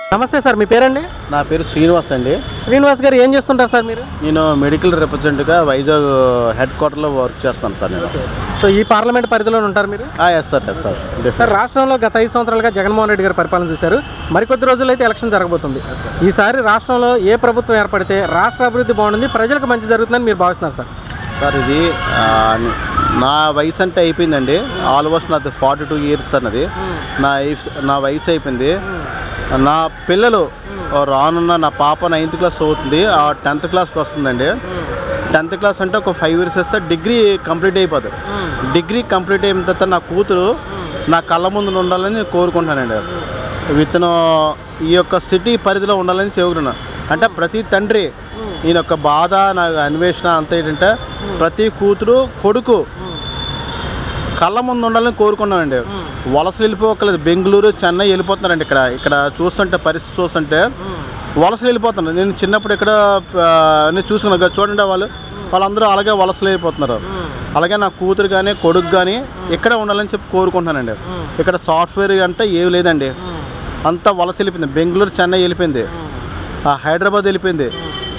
నమస్తే సార్, మీ పేరండి? నా పేరు శ్రీనివాస్ అండి. శ్రీనివాస్ గారు ఏం చేస్తుంటారు సార్ మీరు? నేను మెడికల్ రిప్రజెంటేటివ్గా వైజాగ్ హెడ్ క్వార్టర్లో వర్క్ చేస్తాను సార్ నేను. సో ఈ పార్లమెంట్ పరిధిలో ఉంటారు మీరు? Yes sir. సార్, రాష్ట్రంలో గత 5 సంవత్సరాలుగా జగన్మోహన్ రెడ్డి గారు పరిపాలన చూశారు. మరికొద్ది రోజుల్లో అయితే ఎలక్షన్ జరగబోతుంది. ఈసారి రాష్ట్రంలో ఏ ప్రభుత్వం ఏర్పడితే రాష్ట్ర అభివృద్ధి బాగుంటుంది, ప్రజలకు మంచి జరుగుతుందని మీరు భావిస్తున్నారు సార్? సార్, ఇది నా వయసు అంటే అయిపోయిందండి. ఆల్మోస్ట్ నాది 42 ఇయర్స్ అన్నది. నా వయసు అయిపోయింది. నా పిల్లలు రానున్న నా పాప 9th క్లాస్ చదువుతుంది, 10th క్లాస్కి వస్తుందండి. 10th క్లాస్ అంటే ఒక 5 ఇయర్స్ వస్తే డిగ్రీ కంప్లీట్ అయిపోతుంది. డిగ్రీ కంప్లీట్ అయిన తర్వాత నా కూతురు నా కళ్ళ ముందు ఉండాలని కోరుకుంటానండి. విత్తనం ఈ యొక్క సిటీ పరిధిలో ఉండాలని చెబుతున్నాను. అంటే ప్రతి తండ్రి ఈయన యొక్క బాధ, నాకు అన్వేషణ అంతా ఏంటంటే ప్రతి కూతురు కొడుకు కళ్ళ ముందు ఉండాలని కోరుకున్నానండి. వలసలు వెళ్ళిపోకలేదు, బెంగళూరు చెన్నై వెళ్ళిపోతున్నారండి. ఇక్కడ చూస్తుంటే పరిస్థితి చూస్తుంటే వలసలు వెళ్ళిపోతున్నారు. నేను చిన్నప్పుడు ఇక్కడ నేను చూసుకున్నాను చూడండి, వాళ్ళందరూ అలాగే వలసలు వెళ్ళిపోతున్నారు. అలాగే నా కూతురు కానీ కొడుకు కానీ ఇక్కడే ఉండాలని చెప్పి కోరుకుంటున్నానండి. ఇక్కడ సాఫ్ట్వేర్ అంటే ఏమి లేదండి, అంతా వలస వెళ్ళిపోయింది. బెంగళూరు చెన్నై వెళ్ళిపోయింది, హైదరాబాద్ వెళ్ళిపోయింది.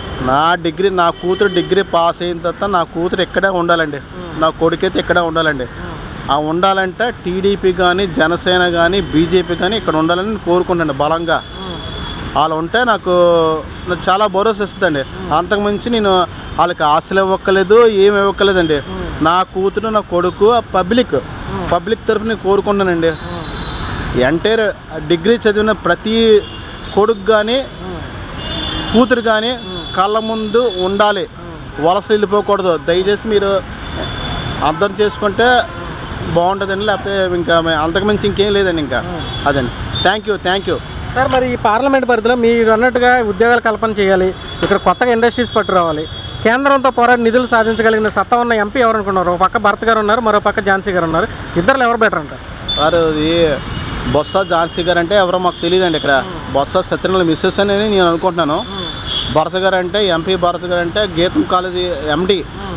నా కూతురు డిగ్రీ పాస్ అయిన తర్వాత నా కూతురు ఇక్కడే ఉండాలండి, నా కొడుకైతే ఇక్కడే ఉండాలండి. ఉండాలంటే టీడీపీ కానీ జనసేన కానీ బీజేపీ కానీ ఇక్కడ ఉండాలని నేను కోరుకుంటాను బలంగా. వాళ్ళు ఉంటే నాకు చాలా భరోసా ఇస్తుందండి. అంతకుమించి నేను వాళ్ళకి ఆశలు ఇవ్వక్కలేదు, ఏమి ఇవ్వక్కలేదండి. నా కూతురు నా కొడుకు పబ్లిక్ తరఫున నేను కోరుకుంటానండి. ఎంటైర్ డిగ్రీ చదివిన ప్రతి కొడుకు కానీ కూతురు కానీ కళ్ళ ముందు ఉండాలి, వలసలు వెళ్ళిపోకూడదు. దయచేసి మీరు అర్థం చేసుకుంటే బాగుంటుందండి. లేకపోతే ఇంకా అంతకుమించి ఇంకేం లేదండి. ఇంకా అదండి. Thank you sir. మరి ఈ పార్లమెంట్ పరిధిలో మీరు అన్నట్టుగా ఉద్యోగాల కల్పన చేయాలి, ఇక్కడ కొత్తగా ఇండస్ట్రీస్ పట్టుకురావాలి, కేంద్రంతో పోరాడి నిధులు సాధించగలిగిన సత్తా ఉన్న ఎంపీ ఎవరు అనుకున్నారు? ఒక పక్క భరత్ గారు ఉన్నారు, మరో పక్క ఝాన్సీ గారు ఉన్నారు. ఇద్దరు ఎవరు బెటర్ అంటారు? సార్, ఇది బొత్స ఝాన్సీ గారు అంటే ఎవరో మాకు తెలియదండి. ఇక్కడ బొత్స సత్యనారాయణ మిస్సెస్ అని నేను అనుకుంటున్నాను. భరత్ గారు అంటే ఎంపీ భరత్ గారు అంటే గీతం కాలేజీ ఎండి,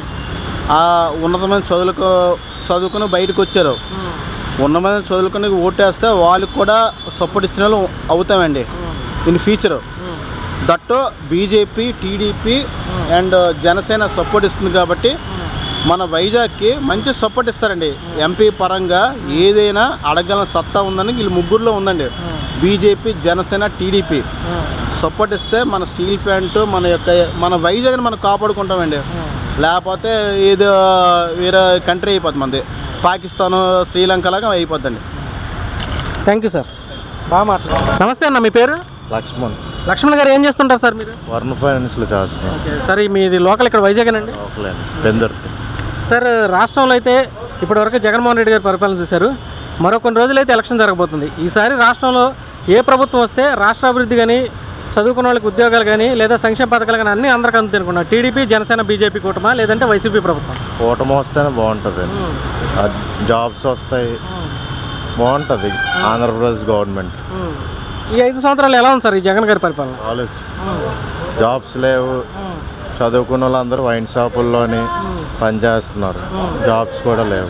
ఉన్నతమైన చదువుకుని బయటకు వచ్చారు. ఉన్నతమైన చదువుకుని ఓటేస్తే వాళ్ళకి కూడా సపోర్ట్ ఇచ్చిన వాళ్ళు అవుతామండి in future. That BJP TDP and Janasena support ఇస్తుంది కాబట్టి మన వైజాగ్కి మంచి సపోర్ట్ ఇస్తారండి. ఎంపీ పరంగా ఏదైనా అడగల సత్తా ఉందని వీళ్ళు ముగ్గురులో ఉందండి. బీజేపీ జనసేన టీడీపీ సపోర్ట్ ఇస్తే మన స్టీల్ ప్లాంట్ మన వైజాగ్ని మనం కాపాడుకుంటామండి. లేకపోతే ఏదో వేరే కంట్రీ అయిపోతుంది, మనది పాకిస్తాను శ్రీలంక లాగా అయిపోద్దండి. థ్యాంక్ యూ సార్, బాగా మాట్లాడారు. నమస్తే అన్న, మీ పేరు? లక్ష్మణ్ గారు ఏం చేస్తుంటారు సార్ మీరు? వర్మ ఫైనాన్స్లో చేస్తున్నాను. ఓకే సార్, మీది లోకల్ ఇక్కడ వైజాగేనండి? సార్, రాష్ట్రంలో అయితే ఇప్పటివరకు జగన్మోహన్ రెడ్డి గారు పరిపాలన చూశారు. మరో కొన్ని రోజులైతే ఎలక్షన్ జరగబోతుంది. ఈసారి రాష్ట్రంలో ఏ ప్రభుత్వం వస్తే రాష్ట్ర అభివృద్ధి కానీ, చదువుకున్న వాళ్ళకి ఉద్యోగాలు కానీ, లేదా సంక్షేమ పథకాలు కానీ అన్నీ అందరికీ అందుతున్నారు? టీడీపీ జనసేన బీజేపీ కూటమా, లేదంటే వైసీపీ ప్రభుత్వం? కూటమి వస్తేనే బాగుంటుంది, జాబ్స్ వస్తాయి, బాగుంటుంది ఆంధ్రప్రదేశ్ గవర్నమెంట్. ఈ 5 సంవత్సరాలు ఎలా ఉంది సార్ ఈ జగన్ గారి పరిపాలన? జాబ్స్ లేవు, చదువుకున్న వాళ్ళందరూ వైన్ షాపుల్లోని పనిచేస్తున్నారు, జాబ్స్ కూడా లేవు.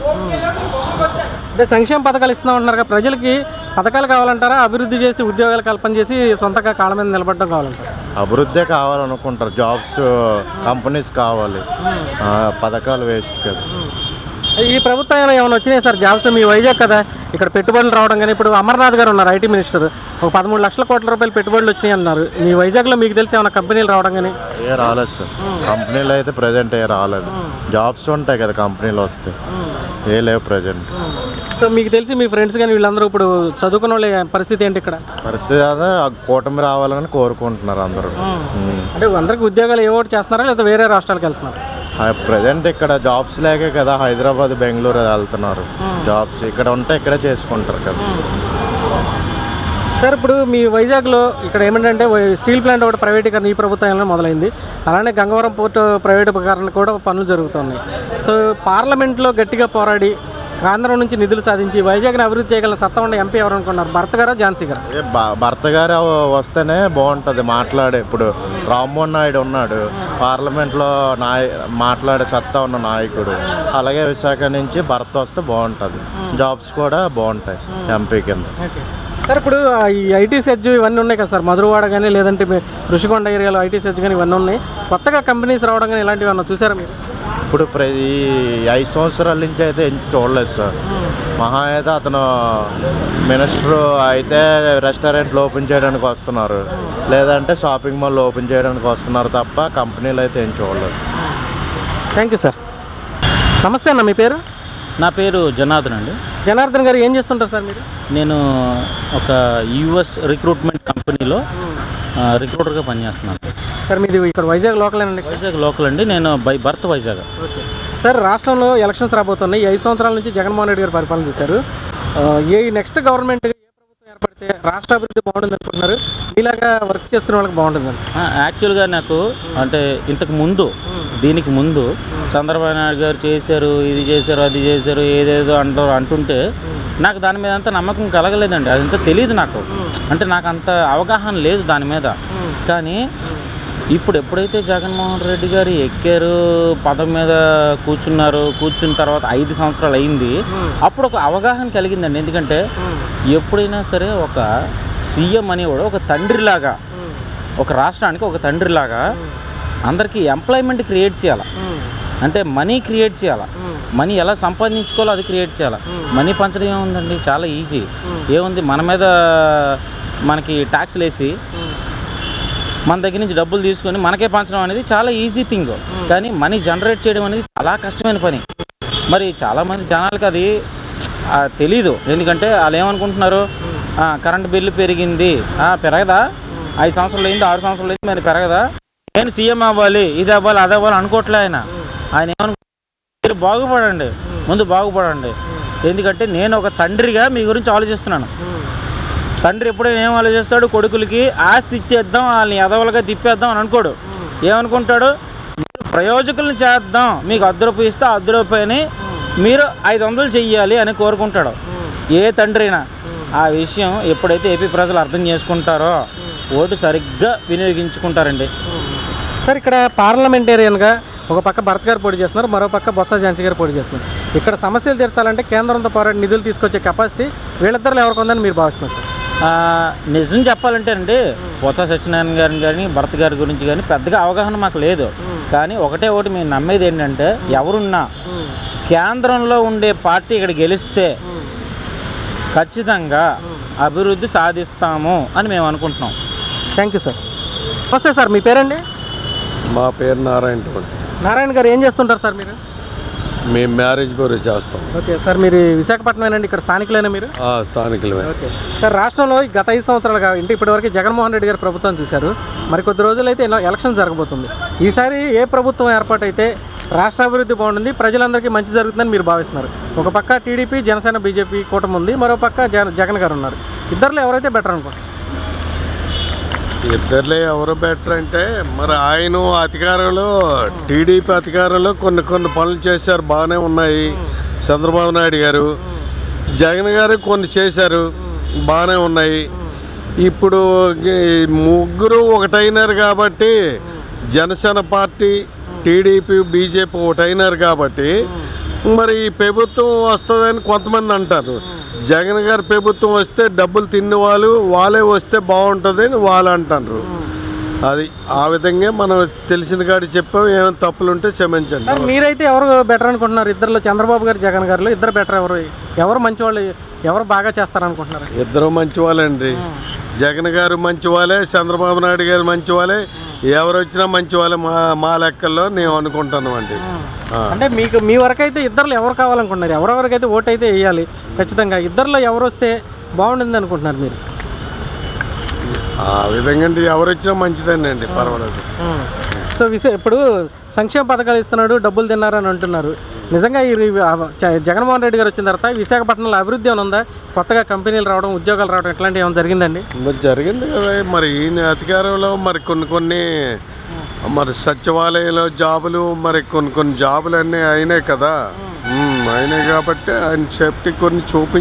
అంటే సంక్షేమ పథకాలు ఇస్తున్నాం అంటున్నారు, ప్రజలకి పథకాలు కావాలంటారా, అభివృద్ధి చేసి ఉద్యోగాలు కల్పన చేసి సొంతగా కాళ్ళ మీద నిలబడడం కావాలంటారా? అభివృద్ధి కావాలనుకుంటారు, జాబ్స్ కంపెనీస్ కావాలి, పథకాలు వేస్ట్ కదా. ఈ ప్రభుత్వం ఏమైనా వచ్చినాయి సార్ జాబ్స్? మీ వైజాగ్ కదా, ఇక్కడ పెట్టుబడులు రావడం కానీ, ఇప్పుడు అమర్నాథ్ గారు ఉన్నారు ఐటీ మినిస్టర్, ఒక 13 లక్షల కోట్ల రూపాయలు పెట్టుబడులు వచ్చినాయి అన్నారు. మీ వైజాగ్లో మీకు తెలిసి ఏమైనా కంపెనీలు రావడం కానీ? రాలేదు సార్, కంపెనీలు అయితే ప్రజెంట్ రాలేదు. జాబ్స్ ఉంటాయి కదా కంపెనీలు వస్తే, లేవు ప్రజెంట్. సో మీకు తెలిసి మీ ఫ్రెండ్స్ కానీ వీళ్ళందరూ ఇప్పుడు చదువుకున్న వాళ్ళ పరిస్థితి ఏంటి ఇక్కడ? పరిస్థితి అదే, కూటమి రావాలని కోరుకుంటున్నారు అందరూ. అంటే అందరికి ఉద్యోగాలు ఏవోటి చేస్తున్నారా, లేదా వేరే రాష్ట్రాలకు వెళ్తున్నారు? ప్రజెంట్ ఇక్కడ జాబ్స్ లేకే కదా హైదరాబాద్ బెంగళూరు వెళ్తున్నారు. జాబ్స్ ఇక్కడ ఉంటే ఇక్కడే చేసుకుంటారు కదా. సార్, ఇప్పుడు మీ వైజాగ్లో ఇక్కడ ఏమిటంటే స్టీల్ ప్లాంట్ ఒకటి ప్రైవేటీకరణ ఈ ప్రభుత్వంలో మొదలైంది. అలానే గంగవరం పోర్టు ప్రైవేటీకరణ కూడా పనులు జరుగుతున్నాయి. సో పార్లమెంట్లో గట్టిగా పోరాడి కేంద్రం నుంచి నిధులు సాధించి వైజాగ్ని అభివృద్ధి చేయగల సత్తా ఉన్న ఎంపీ ఎవరు అనుకున్నారు? భరత్ గారా ఝాన్సీ గారు? భరత్ గారు వస్తేనే బాగుంటుంది మాట్లాడే. ఇప్పుడు రామ్మోహన్ నాయుడు ఉన్నాడు పార్లమెంట్లో, మాట్లాడే సత్తా ఉన్న నాయకుడు. అలాగే విశాఖ నుంచి భరత్ వస్తే బాగుంటుంది, జాబ్స్ కూడా బాగుంటాయి ఎంపీ కింద. సార్ ఇప్పుడు ఈ ఐటీ సెజ్ ఇవన్నీ ఉన్నాయి కదా సార్, మధురవాడ కానీ లేదంటే ఋషికొండ ఏరియాలో ఐటీ సెజ్ కానీ ఇవన్నీ ఉన్నాయి. కొత్తగా కంపెనీస్ రావడం కానీ ఇలాంటివి ఏమన్నా చూసారా మీరు? ఇప్పుడు ఈ 5 సంవత్సరాల నుంచి అయితే ఏం చూడలేదు సార్. మహా అయితే అతను మినిస్టర్ అయితే రెస్టారెంట్లు ఓపెన్ చేయడానికి వస్తున్నారు, లేదంటే షాపింగ్ మాల్ ఓపెన్ చేయడానికి వస్తున్నారు తప్ప కంపెనీలు అయితే ఏం చూడలేదు. Thank you sir. నమస్తే అన్న, మీ పేరు? నా పేరు జనార్దన్ అండి. జనార్దన్ గారు ఏం చేస్తుంటారు సార్ మీరు? నేను ఒక యూఎస్ రిక్రూట్మెంట్ కంపెనీలో రిక్రూటర్గా పనిచేస్తున్నాను. సార్ మీది ఇక్కడ వైజాగ్ లోకలేనండి? వైజాగ్ లోకల్ అండి, నేను by birth Vizag. Okay sir, రాష్ట్రంలో ఎలక్షన్స్ రాబోతున్నాయి. ఈ 5 సంవత్సరాల నుంచి జగన్మోహన్ రెడ్డి గారు పరిపాలన చేశారు. నెక్స్ట్ గవర్నమెంట్ ఏ ప్రభుత్వం ఏర్పడితే రాష్ట్ర అభివృద్ధి బాగుంటుంది అనుకుంటున్నారు? ఇలాగా వర్క్ చేసుకునే వాళ్ళకి బాగుంటుందండి. యాక్చువల్గా నాకు అంటే ఇంతకు ముందు దీనికి ముందు చంద్రబాబు నాయుడు గారు చేశారు, ఇది చేశారు, అది చేశారు, ఏదేదో అంటుంటే నాకు దాని మీద అంత నమ్మకం కలగలేదండి. అదంతా తెలియదు నాకు, అంటే నాకు అంత అవగాహన లేదు దాని మీద. కానీ ఇప్పుడు ఎప్పుడైతే జగన్మోహన్ రెడ్డి గారు ఎక్కారు, పదం మీద కూర్చున్న తర్వాత 5 సంవత్సరాలు అయింది, అప్పుడు ఒక అవగాహన కలిగిందండి. ఎందుకంటే ఎప్పుడైనా సరే ఒక సీఎం అనేవాడు ఒక తండ్రిలాగా, ఒక రాష్ట్రానికి ఒక తండ్రిలాగా అందరికీ ఎంప్లాయ్మెంట్ క్రియేట్ చేయాలి, అంటే మనీ క్రియేట్ చేయాలి, మనీ ఎలా సంపాదించుకోవాలో అది క్రియేట్ చేయాలి. మనీ పంచడం ఏముందండి, చాలా ఈజీ. ఏముంది, మన మీద మనకి ట్యాక్స్లు వేసి మన దగ్గర నుంచి డబ్బులు తీసుకొని మనకే పంచడం అనేది చాలా ఈజీ థింగ్. కానీ మనీ జనరేట్ చేయడం అనేది చాలా కష్టమైన పని. మరి చాలామంది జనాలకి అది తెలీదు. ఎందుకంటే వాళ్ళు ఏమనుకుంటున్నారు, కరెంట్ బిల్లు పెరిగింది, పెరగదా, 5 సంవత్సరాలు అయింది, 6 సంవత్సరాలు అయింది, మరి పెరగదా, నేను సీఎం అవ్వాలి, ఇది అవ్వాలి, అది అవ్వాలి అనుకోవట్లే. ఆయన ఏమనుకుంటున్నారు, బాగుపడండి, ముందు బాగుపడండి. ఎందుకంటే నేను ఒక తండ్రిగా మీ గురించి ఆలోచిస్తున్నాను. తండ్రి ఎప్పుడైనా ఏం ఆలోచిస్తాడు, కొడుకులకి ఆస్తి ఇచ్చేద్దాం, వాళ్ళని ఎదవలుగా తిప్పేద్దాం అని అనుకోడు. ఏమనుకుంటాడు, మీరు ప్రయోజకులను చేద్దాం, మీకు 10 రూపాయలు ఇస్తే 10 రూపాయని మీరు 500 చెయ్యాలి అని కోరుకుంటాడు ఏ తండ్రి అయినా. ఆ విషయం ఎప్పుడైతే ఏపీ ప్రజలు అర్థం చేసుకుంటారో ఓటు సరిగ్గా వినియోగించుకుంటారండి. సార్ ఇక్కడ పార్లమెంటేరియన్గా ఒక పక్క భరత్ గారు పోటీ చేస్తున్నారు, మరో పక్క బొత్స ఝాన్సీ గారు పోటీ చేస్తున్నారు. ఇక్కడ సమస్యలు తీర్చాలంటే కేంద్రంతో పోరాడి నిధులు తీసుకొచ్చే కెపాసిటీ వీళ్ళిద్దరిలో ఎవరికి ఉందని మీరు భావిస్తున్నారు సార్? నిజం చెప్పాలంటే అండి, బొత్స సత్యనారాయణ గారిని కానీ భరత్ గారి గురించి కానీ పెద్దగా అవగాహన మాకు లేదు. కానీ ఒకటి మేము నమ్మేది ఏంటంటే, ఎవరున్నా కేంద్రంలో ఉండే పార్టీ ఇక్కడ గెలిస్తే ఖచ్చితంగా అభివృద్ధి సాధిస్తాము అని మేము అనుకుంటున్నాం. Thank you sir. నమస్తే సార్, మీ పేరండి? మా పేరు నారాయణ. నారాయణ గారు ఏం చేస్తుంటారు సార్ మీరు? మేము మ్యారేజ్ బ్యూరో చేస్తాం. ఓకే సార్, మీరు విశాఖపట్నమేనండి, ఇక్కడ స్థానికులైనా మీరు? స్థానికులమే. ఓకే సార్, రాష్ట్రంలో గత 5 సంవత్సరాలుగా ఇంటి ఇప్పటివరకు జగన్మోహన్ రెడ్డి గారి ప్రభుత్వం చూశారు. మరి కొద్ది రోజులైతే ఎలక్షన్ జరగబోతుంది. ఈసారి ఏ ప్రభుత్వం ఏర్పాటైతే రాష్ట్ర అభివృద్ధి బాగుంటుంది, ప్రజలందరికీ మంచి జరుగుతుందని మీరు భావిస్తున్నారు? ఒక పక్క టీడీపీ, జనసేన, బీజేపీ కూటమి ఉంది, మరో పక్క జగన్ గారు ఉన్నారు. ఇద్దరిలో ఎవరైతే బెటర్ అనుకుంటారు? ఇద్దరులే ఎవరు బెటర్ అంటే, మరి ఆయన అధికారంలో టీడీపీ అధికారంలో కొన్ని పనులు చేశారు, బాగానే ఉన్నాయి. చంద్రబాబు నాయుడు గారు, జగన్ గారు కొన్ని చేశారు, బాగానే ఉన్నాయి. ఇప్పుడు ముగ్గురు ఒకటైనారు కాబట్టి, జనసేన పార్టీ, టీడీపీ, బీజేపీ ఒకటైనారు కాబట్టి మరి ఈ ప్రభుత్వం వస్తుందని కొంతమంది అంటారు. జగన్ గారి ప్రభుత్వం వస్తే డబ్బులు తిన్న వాళ్ళే వస్తే బాగుంటుంది అని వాళ్ళు అంటారు. అది ఆ విధంగా మనం తెలిసిన కాడి చెప్పాం. ఏమైనా తప్పులు ఉంటే క్షమించండి. సార్ మీరైతే ఎవరు బెటర్ అనుకుంటున్నారు? ఇద్దరులో చంద్రబాబు గారు, జగన్ గారిలో ఇద్దరు బెటర్ ఎవరు మంచి వాళ్ళు, ఎవరు బాగా చేస్తారనుకుంటున్నారు? ఇద్దరు మంచి వాళ్ళండి. జగన్ గారు మంచి వాళ్ళే, చంద్రబాబు నాయుడు గారు మంచి వాళ్ళే, ఎవరు వచ్చినా మంచి వాళ్ళే మా లెక్కల్లో నేను అనుకుంటాను అండి. అంటే మీ వరకు అయితే ఇద్దరులో ఎవరు కావాలనుకుంటున్నారు? ఎవరెవరికైతే ఓటు అయితే వేయాలి ఖచ్చితంగా, ఇద్దరులో ఎవరు వస్తే బాగుంటుంది అనుకుంటున్నారు మీరు? ఆ విధంగా ఎవరు వచ్చినా మంచిదేనండి, పర్వాలేదు. సో ఇప్పుడు సంక్షేమ పథకాలు ఇస్తున్నాడు, డబ్బులు తిన్నారని అంటున్నారు. నిజంగా ఈ జగన్మోహన్ రెడ్డి గారు వచ్చిన తర్వాత విశాఖపట్నంలో అభివృద్ధి ఏమైనా ఉందా? కొత్తగా కంపెనీలు రావడం, ఉద్యోగాలు రావడం ఇట్లాంటివి ఏమైనా జరిగిందండి? జరిగింది కదా. మరి ఈయన అధికారంలో మరి కొన్ని మరి సచివాలయంలో జాబులు, మరి కొన్ని జాబులు అన్నీ అయినాయి కదా. అయినాయి కాబట్టి ఆయన సేఫ్టీ కొన్ని